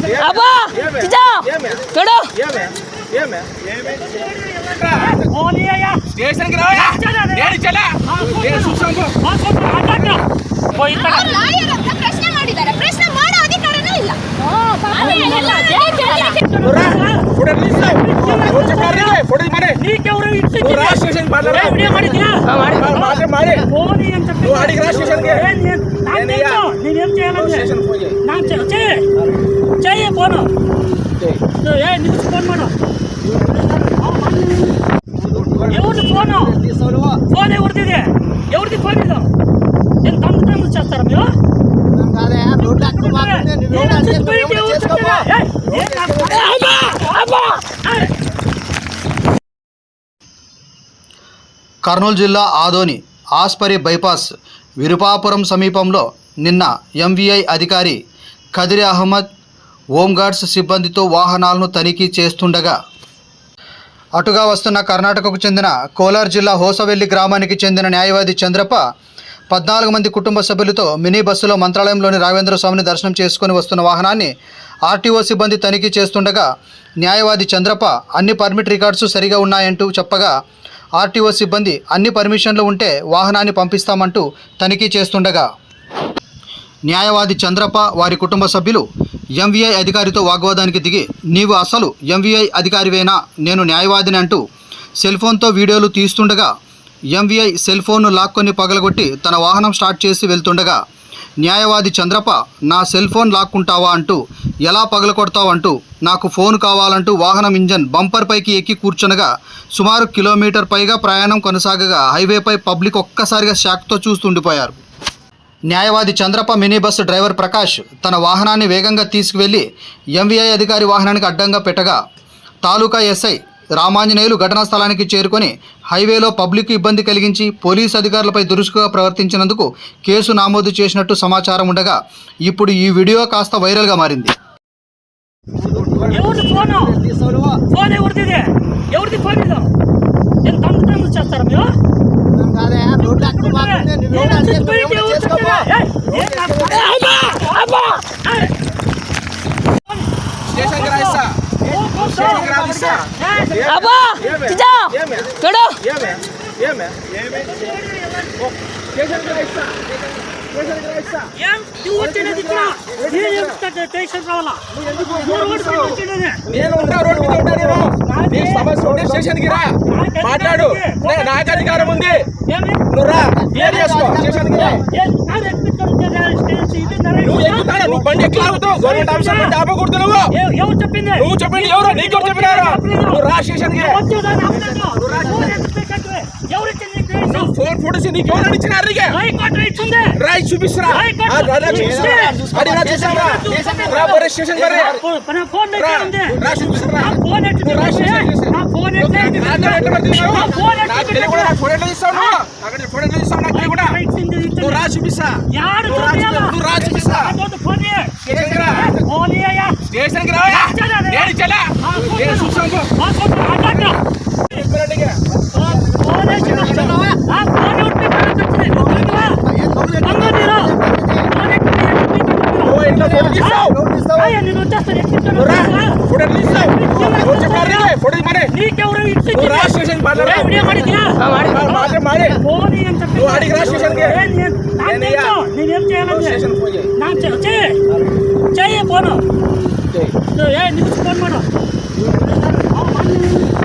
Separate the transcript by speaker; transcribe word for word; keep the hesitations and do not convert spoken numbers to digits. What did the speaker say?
Speaker 1: అబ్బా చిచ్చా చూడు
Speaker 2: స్టేషన్ కి రావా నేను చలా నేను చూసాను
Speaker 3: ಪ್ರಶ್ನೆ ಮಾಡಿದ್ದಾರೆ ಪ್ರಶ್ನೆ ಮಾಡೋ ಅಧಿಕಾರನೇ ಇಲ್ಲ
Speaker 1: చెయ్యి ఫోను న్యూస్ ఫోన్ మాడు ఎవరిది ఫోను ఫోన్ ఎవరిది ఎవరిది ఫోన్ ఇది నేను తమ్ముడు చేస్తారా మీరు
Speaker 4: కర్నూలు జిల్లా ఆదోని ఆస్పరి బైపాస్ విరుపాపురం సమీపంలో నిన్న ఎంవీఐ అధికారి ఖదిరి అహ్మద్ హోంగార్డ్స్ సిబ్బందితో వాహనాలను తనిఖీ చేస్తుండగా అటుగా వస్తున్న కర్ణాటకకు చెందిన కోలార్ జిల్లా హోసవెల్లి గ్రామానికి చెందిన న్యాయవాది చంద్రప్ప పద్నాలుగు మంది కుటుంబ సభ్యులతో మినీ బస్సులో మంత్రాలయంలోని రాఘవేంద్ర స్వామిని దర్శనం చేసుకుని వస్తున్న వాహనాన్ని ఆర్టీఓ సిబ్బంది తనిఖీ చేస్తుండగా న్యాయవాది చంద్రప్ప అన్ని పర్మిట్ రికార్డ్స్ సరిగా ఉన్నాయంటూ చెప్పగా ఆర్టీఓ సిబ్బంది అన్ని పర్మిషన్లు ఉంటే వాహనాన్ని పంపిస్తామంటూ తనిఖీ చేస్తుండగా న్యాయవాది చంద్రప్ప వారి కుటుంబ సభ్యులు ఎంవీఐ అధికారితో వాగ్వాదానికి దిగి నీవు అసలు ఎంవీఐ అధికారివేనా నేను న్యాయవాదిని అంటూ సెల్ ఫోన్తో వీడియోలు తీస్తుండగా ఎంవీఐ సెల్ ఫోన్ను లాక్కొని పగలగొట్టి తన వాహనం స్టార్ట్ చేసి వెళ్తుండగా న్యాయవాది చంద్రప్ప నా సెల్ ఫోన్ లాక్కుంటావా అంటూ ఎలా పగలకొడతావు అంటూ నాకు ఫోన్ కావాలంటూ వాహనం ఇంజన్ బంపర్ పైకి ఎక్కి కూర్చునగా సుమారు కిలోమీటర్ పైగా ప్రయాణం కొనసాగగా హైవేపై పబ్లిక్ ఒక్కసారిగా షాక్తో చూస్తుండిపోయారు. న్యాయవాది Chandrappa mini bus driver Prakash తన వాహనాన్ని వేగంగా తీసుకువెళ్లి ఎంవీఐ అధికారి వాహనానికి అడ్డంగా పెట్టగా తాలూకా ఎస్ఐ రామాంజనేయులు ఘటనా స్థలానికి చేరుకొని హైవేలో పబ్లిక్ ఇబ్బంది కలిగించి పోలీసు అధికారులపై దురుసుగా ప్రవర్తించినందుకు కేసు నమోదు చేసినట్టు సమాచారం ఉండగా ఇప్పుడు ఈ వీడియో కాస్త వైరల్గా మారింది.
Speaker 1: అబ్బా చిచ్చా చూడు
Speaker 2: స్టేషన్ కి రా మాట్లాడు నాకు అధికారం ఉంది నువ్వు రా క్లియర్ చేసుకో స్టేషన్ కి రా నువ్వు ఎక్కుతాడు నువ్వు బండి ఎట్లా ఆగుతావు గవర్నమెంట్ ఆఫీసర్ బండి ఆపకూడదు నువ్వు
Speaker 1: ఎవరు చెప్పింది
Speaker 2: నువ్వు చెప్పింది ఎవరు నీకు ఎవరు చెప్పినారు నువ్వు రా స్టేషన్ కి ఫోన్ ఫోటోస్ నీకు ఎవరు ఇచ్చినారు రాయి చూపిస్తున్నా స్టేషన్ రా చూపిస్తా రా చూపిస్తా స్టేషన్ కి రా నేను చలా నేను చూసాను
Speaker 1: చెయ్యి ఫోను న్యూస్ ఫోన్ మాడు